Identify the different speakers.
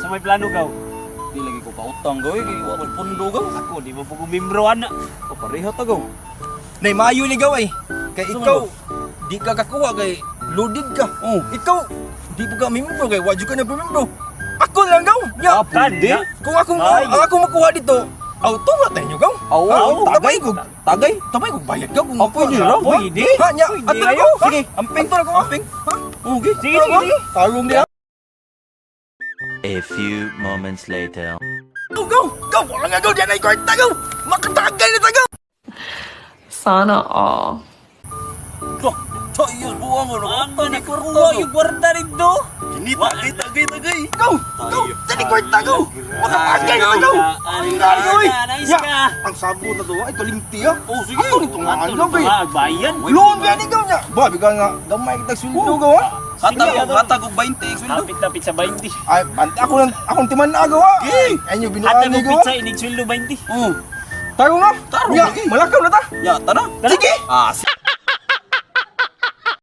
Speaker 1: may plano gaw.
Speaker 2: Di lagi ko pautang gaw kay wa pundo gaw.
Speaker 1: Ako di mo pag membro ana.
Speaker 2: O pareho ta gaw. Nay mayo ni gaw ay. Kay ikaw di ka kakuha kay loaded ka. Oh, ikaw di pa ka membro kay wa jud ka na membro. Ako lang gaw. Ya,
Speaker 1: pwede.
Speaker 2: Kung ako makuha dito, auto ba tayo gaw? Tagay ko. Tabay ko bayad gaw kung
Speaker 1: pwede raw. Pwede.
Speaker 2: Ha, nya.
Speaker 1: Pwede
Speaker 2: Ato
Speaker 1: raw.
Speaker 2: ko.
Speaker 1: Sige.
Speaker 2: Amping to ko, amping. Ha? Okay.
Speaker 1: Sige, sige.
Speaker 2: Talong dia.
Speaker 3: A few moments later.
Speaker 2: Go! Wala nga gaw, diyan ay kwarta gaw! Makatagal na ta gaw!
Speaker 4: Sana all.
Speaker 2: Tayo, buwang mo
Speaker 1: Ano ni kuha yung kwarta rito?
Speaker 2: Tagay! Go! Diyan ay kwarta gaw! Makatagal na ta gaw!
Speaker 1: Nice ka.
Speaker 2: Ang sabot na to, ay kalimti ha! Oh, sige! Ato nito nga
Speaker 1: Ato
Speaker 2: gaw kay!
Speaker 1: bayan.
Speaker 2: Loan ba ni gaw niya? Ba, bigla nga, gamay kita sweldo gaw ha! Hatag og 20 sweldo!
Speaker 1: Hapit-hapit sa 20.
Speaker 2: Ay, akong timan na gaw ha! Ay, nyo binuan
Speaker 1: Hatag
Speaker 2: ni
Speaker 1: mo
Speaker 2: gaw
Speaker 1: pizza, inig sweldo 20.
Speaker 2: Taro nga! Malakaw na ta! Ya, tara!
Speaker 1: Tara.
Speaker 2: Sige!